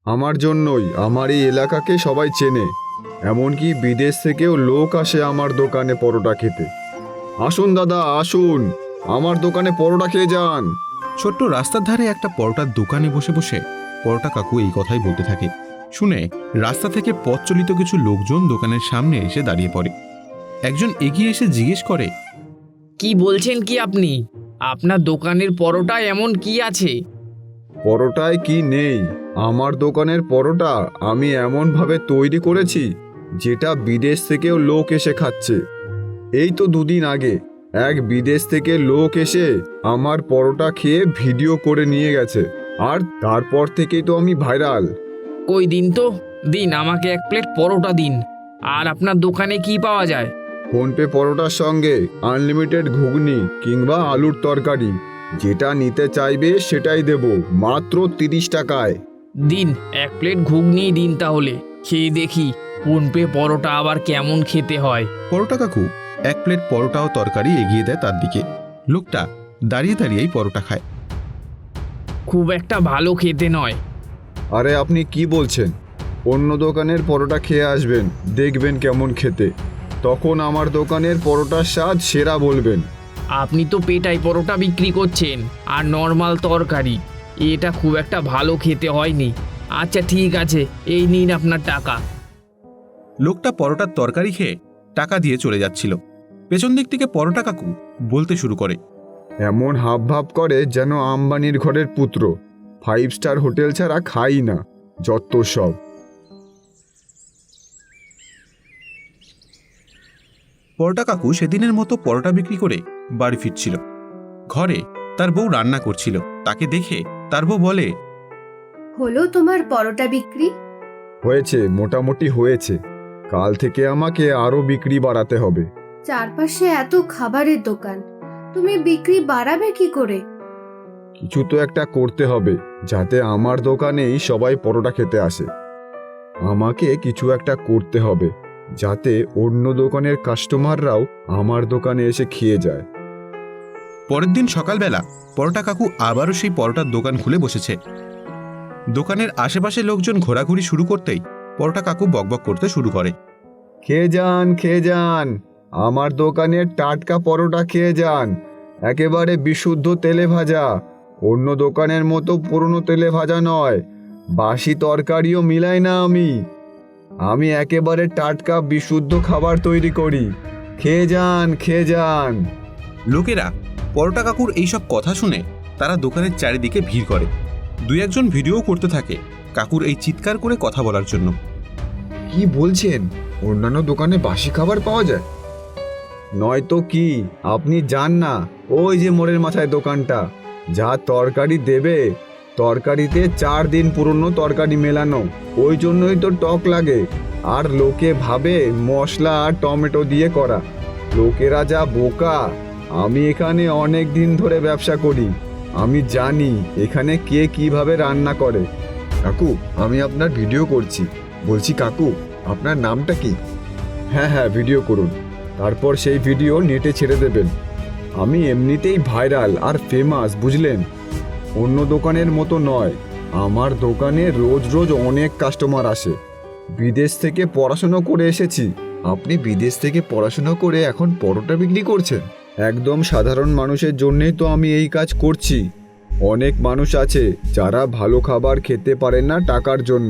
আমার জন্যই আমার এই এলাকাকে সবাই চেনে, এমনকি বিদেশ থেকেও লোক আসে আমার দোকানে পরোটা খেতে। আসুন দাদা, আসুন, আমার দোকানে পরোটা খেয়ে যান। ছোট্ট রাস্তার ধারে একটা পরোটার দোকানে বসে বসে পরোটা কাকু এই কথাই বলতে থাকে। শুনে রাস্তা থেকে পথ চলিত কিছু লোকজন দোকানের সামনে এসে দাঁড়িয়ে পড়ে। একজন এগিয়ে এসে জিজ্ঞেস করে, কি বলছেন কি আপনি? আপনার দোকানের পরোটায় এমন কি আছে? পরোটায় কি নেই? আমার দোকানের পরোটা আমি এমনভাবে তৈরি করেছি যেটা বিদেশ থেকেও লোক এসে খাচ্ছে। এই তো দুদিন আগে এক বিদেশ থেকে লোক এসে আমার পরোটা খেয়ে ভিডিও করে নিয়ে গেছে, আর তারপর থেকেই তো আমি ভাইরাল। কই দিন তো, দিন আমাকে 1 প্লেট পরোটা দিন। আর আপনার দোকানে কি পাওয়া যায়? ফোনপে পরোটার সঙ্গে আনলিমিটেড ঘুগনি কিংবা আলুর তরকারি, যেটা নিতে চাইবে সেটাই দেব, মাত্র 30 টাকায়। দিন 1 প্লেট ঘুগনি দিন, তাহলে খেয়ে দেখি ফোনপে পরোটা আবার কেমন খেতে হয়। পরোটা কাকু 1 প্লেট পরোটা ও তরকারি এগিয়ে দেয় তার দিকে। লোকটা দাঁড়িয়ে দাঁড়িয়েই পরোটা খায়। খুব একটা ভালো খেতে নয়। আরে আপনি কি বলছেন? অন্য দোকানের পরোটা খেয়ে আসবেন, দেখবেন কেমন খেতে, তখন আমার দোকানের পরোটার স্বাদ সেরা বলবেন। আপনি তো পেটাই পরোটা বিক্রি করছেন আর নর্মাল তরকারি, এটা খুব একটা ভালো খেতে হয়নি। আচ্ছা ঠিক আছে, এই নিন আপনার টাকা। লোকটা পরোটার তরকারি খেয়ে টাকা দিয়ে চলে যাচ্ছিল। পেছন দিক থেকে পরোটা কাকু বলতে শুরু করে, এমন হাবভাব করে যেন আম্বানির ঘরের পুত্র, 5 স্টার হোটেল ছাড়া খাই না, যত সব। পরোটা কাকু সেদিনের মতো পরোটা বিক্রি করে বাড়ি ফিরছিল। ঘরে তার বউ রান্না করছিল। তাকে দেখে তার বউ বলে, হলো তোমার পরোটা বিক্রি? হয়েছে, মোটামুটি হয়েছে। কাল থেকে আমাকে আরো বিক্রি বাড়াতে হবে। চারপাশে এত খাবারের দোকান, তুমি বিক্রি বাড়াবে কি করে? কিছু তো একটা করতে হবে যাতে আমার দোকানেই সবাই পরোটা খেতে আসে। আমাকে কিছু একটা করতে হবে যাতে অন্য দোকানের কাস্টমাররাও আমার দোকানে এসে খেয়ে যায়। পরের দিন সকালবেলা পরোটা কাকু আবারও সেই পরোটার দোকান খুলে বসেছে। দোকানের আশেপাশে লোকজন ঘোরাঘুরি শুরু করতেই পরোটা কাকু বকবক করতে শুরু করে, খেয়ে যান, খেয়ে যান, আমার দোকানের টাটকা পরোটা খেয়ে যান, একেবারে বিশুদ্ধ তেলে ভাজা, অন্য দোকানের মতো পুরনো তেলে ভাজা নয়, বাসি তরকারিও মিলাই না আমি একেবারে টাটকা বিশুদ্ধ খাবার তৈরি করি। খেয়ে যান, খেয়ে যান। লোকেরা পরোটা কাকুর এইসব কথা শুনে তারা দোকানের চারিদিকে ভিড় করে। 2-1জন ভিডিও করতে থাকে কাকুর এই চিৎকার করে কথা বলার জন্য। কি বলছেন? অন্যান্য দোকানে বাসি খাবার পাওয়া যায়? নয়তো কি, আপনি যান না, ওই যে মোড়ের মাথায় দোকানটা, যা তরকারি দেবে তরকারিতে 4 দিন পুরনো তরকারি মেলানো, ওই জন্যই তো টক লাগে। আর লোকে ভাবে মশলা আর টমেটো দিয়ে করা। লোকেরা যা বোকা! আমি এখানে অনেক দিন ধরে ব্যবসা করি, আমি জানি এখানে কে কিভাবে রান্না করে। কাকু, আমি আপনার ভিডিও করছি। বলছি কাকু, আপনার নামটা কি? হ্যাঁ হ্যাঁ, ভিডিও করুন, তারপর সেই ভিডিও নেটে ছেড়ে দেবেন। আমি এমনিতেই ভাইরাল আর ফেমাস, বুঝলেন? অন্য দোকানের মতো নয়, আমার দোকানে রোজ রোজ অনেক কাস্টমার আসে। বিদেশ থেকে পড়াশুনো করে এসেছি। আপনি বিদেশ থেকে পড়াশুনো করে এখন পরোটা বিক্রি করছেন? একদম সাধারণ মানুষের জন্যই তো আমি এই কাজ করছি। অনেক মানুষ আছে যারা ভালো খাবার খেতে পারে না টাকার জন্য,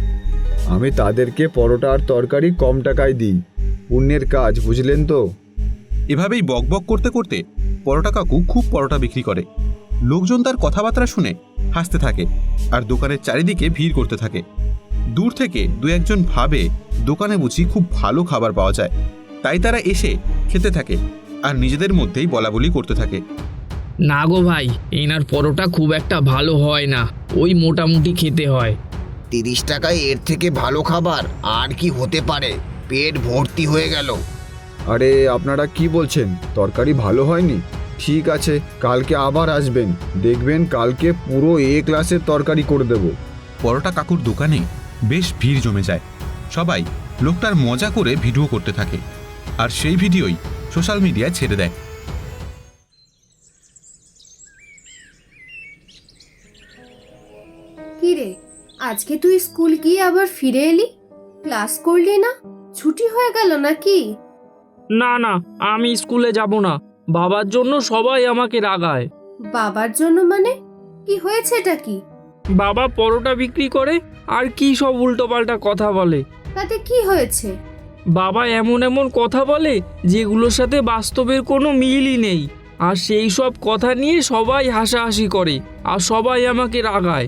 আমি তাদেরকে পরোটা আর তরকারি কম টাকায় দিই। পুণ্যের কাজ, বুঝলেন তো? এভাবেই বকবক করতে করতে পরোটা কাকু খুব পরোটা বিক্রি করে। লোকজন তার কথাবার্তা শুনে হাসতে থাকে আর দোকানের চারিদিকে ভিড় করতে থাকে। দূর থেকে 2-1জন ভাবে দোকানে বুঝি খুব ভালো খাবার পাওয়া যায়, তাই তারা এসে খেতে থাকে আর নিজেদের মধ্যেই বলাবলি করতে থাকে। না গো ভাই, এনার পরোটা খুব একটা ভালো হয় না, ওই মোটামুটি খেতে হয়। 30 টাকায় এর থেকে ভালো খাবার আর কি হতে পারে? পেট ভর্তি হয়ে গেল। আরে আপনারা কি বলছেন? তরকারি ভালো হয়নি? ঠিক আছে, কালকে আবার আসবেন, দেখবেন কালকে পুরো এ ক্লাসের তরকারি করে দেব। পরোটা কাকুর দোকানে বেশ ভিড় জমে যায়। সবাই লোকটার মজা করে ভিডিও করতে থাকে আর সেই ভিডিওই সোশ্যাল মিডিয়ায় ছেড়ে দেয়। কি রে, আজকে তুই স্কুল গিয়ে আবার ফিরে এলি? ক্লাস করলি না? ছুটি হয়ে গেল নাকি? না না, আমি স্কুলে যাব না। বাবার জন্য সবাই আমাকে রাগায়। বাবার জন্য মানে? কি হয়েছে এটা কি? বাবা পরোটা বিক্রি করে আর কি সব উল্টোপাল্টা কথা বলে। তাতে কি হয়েছে? বাবা এমন এমন কথা বলে যেগুলোর সাথে বাস্তবের কোনো মিলই নেই। আর সেই সব কথা নিয়ে সবাই হাসাহাসি করে আর সবাই আমাকে রাগায়।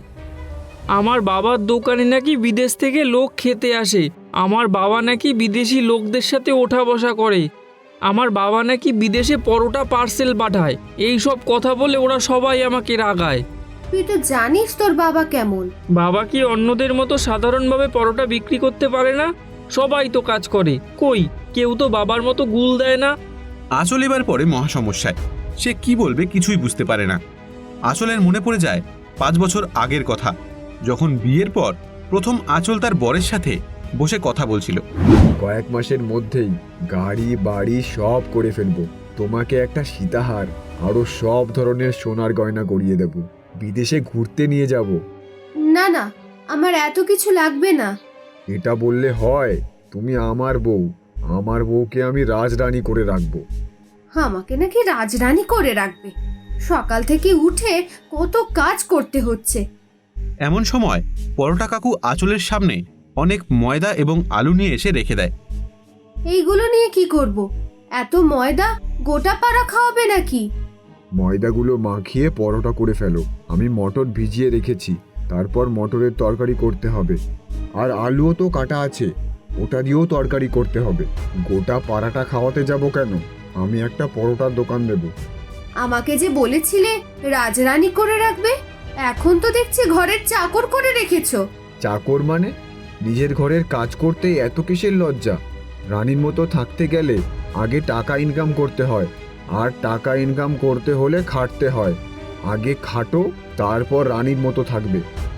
আমার বাবার দোকানে নাকি বিদেশ থেকে লোক খেতে আসে। আমার বাবা নাকি বিদেশি লোকদের সাথে ওঠা বসা করে। আমার বাবা নাকি বিদেশে পরোটা পার্সেল পাঠায়। এই সব কথা বলে ওরা সবাই আমাকে রাগায়। তুই তো জানিস তোর বাবা কেমন। বাবা কি অন্যদের মতো সাধারণভাবে পরোটা বিক্রি করতে পারে না? সবাই তো কাজ করে, কই কেউ তো বাবার মতো গুল দেয় না। আঁচল এবার পড়ে মহা সমস্যায়। সে কি বলবে কিছুই বুঝতে পারে না। আঁচলের মনে পড়ে যায় 5 বছর আগের কথা, যখন বিয়ের পর প্রথম আঁচল তার বরের সাথে বসে কথা বলছিল। কয়েক মাসের মধ্যেই গাড়ি বাড়ি সব করে ফেলবো। তোমাকে একটা সীতাহার আরো সব ধরনের সোনার গয়না গড়িয়ে দেব। বিদেশে ঘুরতে নিয়ে যাব। না না, আমার এত কিছু লাগবে না। এটা বললে হয়? তুমি আমার বউ, আমার বউকে আমি রাজরানী করে রাখবো। আমাকে নাকি রাজরানী করে রাখবে? সকাল থেকে উঠে কত কাজ করতে হচ্ছে। এমন সময় পরোটা কাকু আঁচলের সামনে অনেক ময়দা এবং আলু নিয়ে এসে রেখে দেয়। এইগুলো নিয়ে কি করব? এত ময়দা গোটা পাড়া খাওয়াবে নাকি? ময়দাগুলো মাখিয়ে পরোটা করে ফেলো। আমি মটর ভিজিয়ে রেখেছি, তারপর মটরের তরকারি করতে হবে। আর আলুও তো কাটা আছে, ওটা দিয়েও তরকারি করতে হবে। গোটা পাড়াটা খাওয়াতে যাব কেন? আমি একটা পরোটার দোকান দেব। আমাকে যে বলেছিলে রাজরানী করে রাখবে, এখন তো দেখছি ঘরের চাকর করে রেখেছো। চাকর মানে? নিজের ঘরের কাজ করতে এত কিসের লজ্জা? রানীর মতো থাকতে গেলে আগে টাকা ইনকাম করতে হয়, আর টাকা ইনকাম করতে হলে খাটতে হয়। আগে খাটো, তারপর রানীর মতো থাকবে।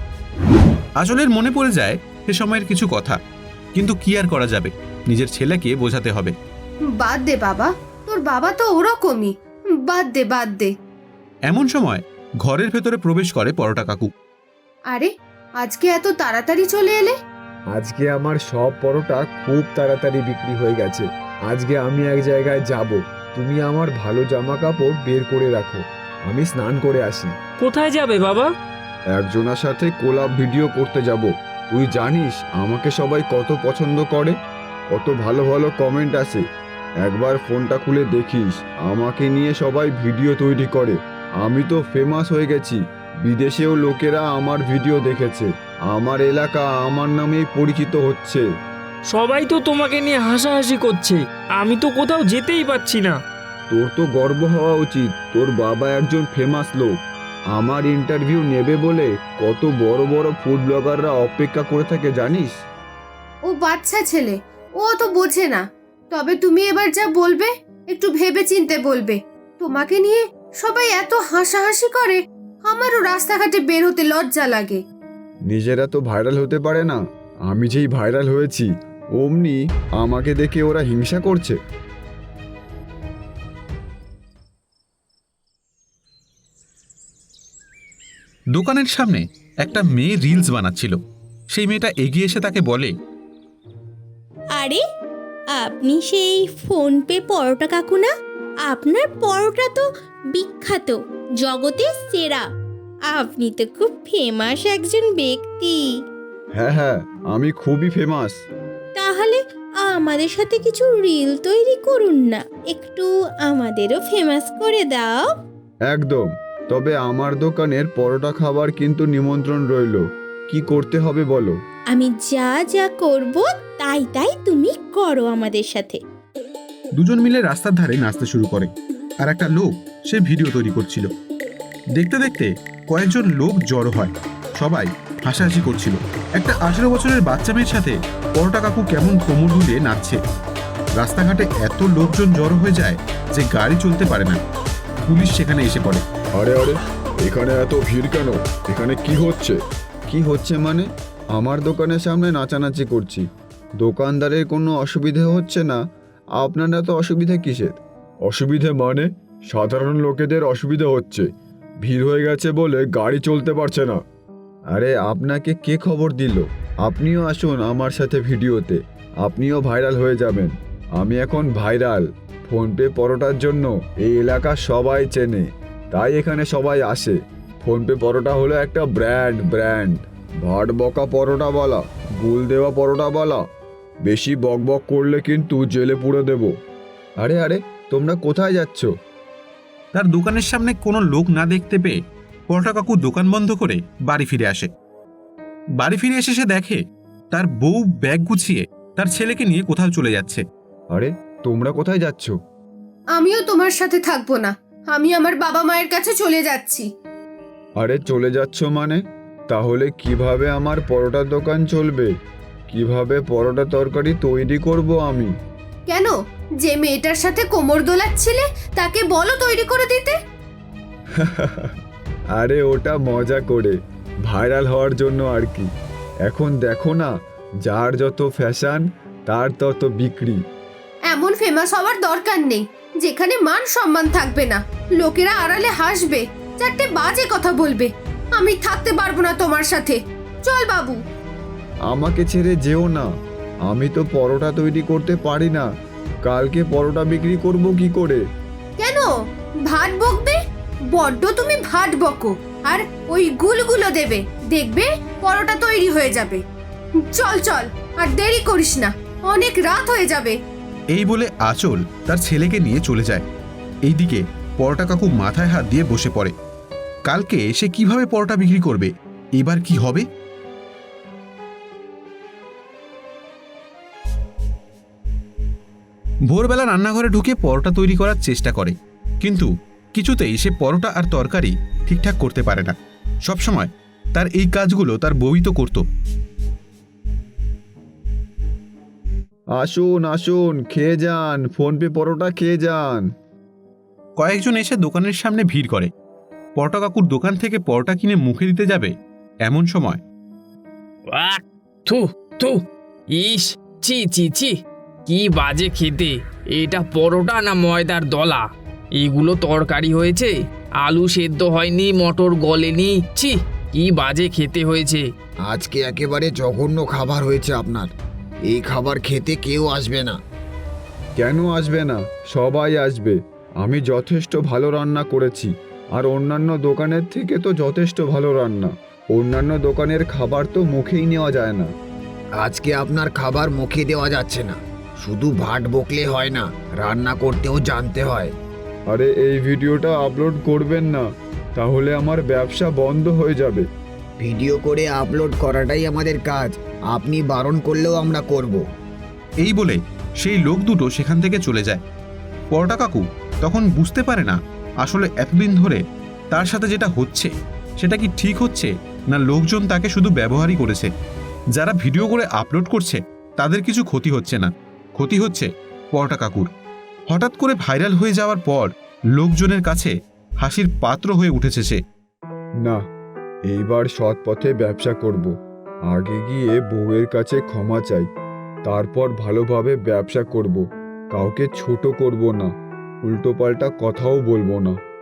আঁচলের মনে পড়ে যায় সে সময়ের কিছু কথা, কিন্তু কি আর করা যাবে, নিজের ছেলেকে বোঝাতে হবে। বাদ দে বাবা, তোর বাবা তো ওরকমই। বাদ দে বাদ দে। এমন সময় ঘরের ভেতরে প্রবেশ করে পরোটা কাকু। আরে, আজকে এত তাড়াতাড়ি চলে এলে? আজকে আমার সব পরোটা খুব তাড়াতাড়ি বিক্রি হয়ে গেছে। আজকে আমি এক জায়গায় যাব। তুমি আমার ভালো জামা কাপড় বের করে রাখো, আমি স্নান করে আসি। কোথায় যাবে বাবা? একজনের সাথে কোলাপ ভিডিও করতে যাব। তুই জানিস আমাকে সবাই কত পছন্দ করে, কত ভালো ভালো কমেন্ট আসে। একবার ফোনটা খুলে দেখিস, আমাকে নিয়ে সবাই ভিডিও তৈরি করে। আমি তো ফেমাস হয়ে গেছি, বিদেশেও লোকেরা আমার ভিডিও দেখেছে। আমার এলাকা আমার নামেই পরিচিত হচ্ছে। সবাই তো তোমাকে নিয়ে হাসাহাসি করছে, আমি তো কোথাও যেতেই পারছি না। তোর তো গর্ব হওয়া উচিত, তোর বাবা একজন ফেমাস লোক। আমার ইন্টারভিউ নেবে বলে কত বড় বড় ফুড ব্লগাররা অপেক্ষা করে থাকে জানিস? ও বাচ্চা ছেলে, ও তো বোঝে না। তবে তুমি এবার যা বলবে একটু ভেবে চিন্তে বলবে। তোমাকে নিয়ে সবাই এত হাসাহাসি করে, আমারও রাস্তাঘাটে বের হতে লজ্জা লাগে। নিজেরা তো ভাইরাল হতে পারে না, আমি যেই ভাইরাল হয়েছি অমনি আমাকে দেখে ওরা হিংসা করছে। দোকানের সামনে একটা মেয়ে রিলস বানাচ্ছিল। সেই মেয়েটা এগিয়ে এসে তাকে বলে, আরে, আপনি সেই ফোনপে পরোটা কাকু না? আপনার পরোটা তো বিখ্যাত, জগতের সেরা। আপনি তো খুব ফেমাস একজন ব্যক্তি। হ্যাঁ হ্যাঁ, আমি খুবই ফেমাস। তাহলে আমাদের সাথে কিছু রিল তৈরি করুন না, একটু আমাদেরও ফেমাস করে দাও। একদম, তবে আমার দোকানের পরোটা খাবার কিন্তু নিমন্ত্রণ রইল। কি করতে হবে বলো? আমি যা যা করব তাই তাই তুমি করো আমাদের সাথে। দুজন মিলে রাস্তার ধারে নাচতে শুরু করে, আর একটা লোক সে ভিডিও তৈরি করছিল। দেখতে দেখতে কয়েকজন লোক জড়ো হয়, সবাই হাসাহাসি করছিল। একটা 18 বছরের বাচ্চা মেয়ের সাথে পরোটা কাকু কেমন কোমর দুলিয়ে নাচছে। রাস্তাঘাটে এত লোকজন জড়ো হয়ে যায় যে গাড়ি চলতে পারে না। পুলিশ সেখানে এসে পড়ে। আরে আরে, এখানে এত ভিড় কেন? এখানে কি হচ্ছে? কি হচ্ছে মানে? আমার দোকানের সামনে নাচানাচি করছি, দোকানদারের কোনো অসুবিধে হচ্ছে না। আপনারা তো অসুবিধা কিসের? অসুবিধে মানে সাধারণ লোকেদের অসুবিধা হচ্ছে, ভিড় হয়ে গেছে বলে গাড়ি চলতে পারছে না। আরে আপনাকে কে খবর দিল? আপনিও আসুন আমার সাথে ভিডিওতে, আপনিও ভাইরাল হয়ে যাবেন। আমি এখন ভাইরাল। ফোনপে পরোটার জন্য এই এলাকা সবাই চেনে, তাই এখানে সবাই আসে। ফোনপে পরোটা হলো একটা ব্র্যান্ড। ভাট বকা পরোটা বলা, গুল দেওয়া পরোটা বলা, বেশি বকবক করলে কিন্তু জেলে পুরে দেব। আরে আরে, তোমরা কোথায় যাচ্ছ? তার দোকানের সামনে কোনো লোক না দেখতে পেয়ে পরোটা কাকু দোকান বন্ধ করে বাড়ি ফিরে আসে। বাড়ি ফিরে এসে সে দেখে তার বউ ব্যাগ গুছিয়ে তার ছেলেকে নিয়ে কোথাও চলে যাচ্ছে। আরে তোমরা কোথায় যাচ্ছ? আমিও তোমার সাথে থাকবো না, আমি আমার বাবা মায়ের কাছে চলে যাচ্ছি। আরে চলে যাচ্ছ মানে? তাহলে কিভাবে আমার পরোটার দোকান চলবে? কিভাবে পরোটা তরকারি তৈরি করব আমি? কেন, যে মেয়েটার সাথে কোমর দোলাচ্ছিলে তাকে বলো তৈরি করে দিতে। আরে ওটা মজা করে, ভাইরাল হওয়ার জন্য আর কি। এখন দেখো না, যার যত ফ্যাশন তার তত বিক্রি। এমন ফেমাস হওয়ার দরকার নেই যেখানে মান সম্মান থাকবে না, লোকেরা আড়ালে হাসবে, চারটে বাজে কথা বলবে। আমি থাকতে পারবো না তোমার সাথে। চল বাবু। আমাকে ছেড়ে যেও না, আমি তো পরোটা তৈরি করতে পারি না। কালকে পরোটা বিক্রি করব কি করে? কেন ভাত বকবে? বড্ড তুমি ভাত বকো, আর ওই গুলগুলো দেবে, দেখবে পরোটা তৈরি হয়ে যাবে। চল চল, আর দেরি করিস না, অনেক রাত হয়ে যাবে। এই বলে আঁচল তার ছেলেকে নিয়ে চলে যায়। এইদিকে পরোটা কাকু মাথায় হাত দিয়ে বসে পড়ে। কালকে সে কিভাবে পরোটা বিক্রি করবে? এবার কি হবে? ভোরবেলা রান্নাঘরে ঢুকে পরোটা তৈরি করার চেষ্টা করে, কিন্তু কিছুতেই সে পরোটা আর তরকারি ঠিকঠাক করতে পারে না। সবসময় তার এই কাজগুলো তার বউই তো করত। আসুন আসুন, খেয়ে যান, ফোনপে পরোটা খেয়ে যান। কয়েকজন এসে দোকানের সামনে ভিড় করে। পরোটা কাকুর দোকান থেকে পরোটা কিনে মুখে দিতে যাবে, এমন সময় আহ, থু থু, ইস, ছি ছি ছি, কি বাজে খেতে। এটা পরোটা না ময়দার দলা? এগুলো তরকারি হয়েছে, আলু সেদ্ধ হয়নি, মটর গলেনি। ছি, কি বাজে খেতে হয়েছে। আজকে একেবারে জঘন্য খাবার হয়েছে আপনার। এই খাবার খেতে কেউ আসবে না। কেন আসবে না? সবাই আসবে। আমি যথেষ্ট ভালো রান্না করেছি, আর অন্যান্য দোকানের থেকে তো যথেষ্ট ভালো রান্না। অন্যান্য দোকানের খাবার তো মুখেই নেওয়া যায় না। আজকে আপনার খাবার মুখে দেওয়া যাচ্ছে না। শুধু ভাট বকলে হয় না, রান্না করতেও জানতে হয়। আরে এই ভিডিওটা আপলোড করবেন না, তাহলে আমার ব্যবসা বন্ধ হয়ে যাবে। ভিডিও করে আপলোড করাটাই আমাদের কাজ, আপনি বারণ করলেও আমরা করব। এই বলে সেই লোক দুটো সেখান থেকে চলে যায়। পরোটা কাকু তখন বুঝতে পারে না আসলে এতদিন ধরে তার সাথে যেটা হচ্ছে সেটা কি ঠিক হচ্ছে, না লোকজন তাকে শুধু ব্যবহারই করেছে। যারা ভিডিও করে আপলোড করছে তাদের কিছু ক্ষতি হচ্ছে না, ক্ষতি হচ্ছে পরোটা কাকুর। হঠাৎ করে ভাইরাল হয়ে যাওয়ার পর লোকজনের কাছে হাসির পাত্র হয়ে উঠেছে সে। না, এইবার সৎ পথে ব্যবসা করব। আগে গিয়ে বউয়ের কাছে ক্ষমা চাই, তারপর ভালোভাবে ব্যবসা করব। কাউকে ছোট করব না, উল্টোপাল্টা কথাও বলবো না।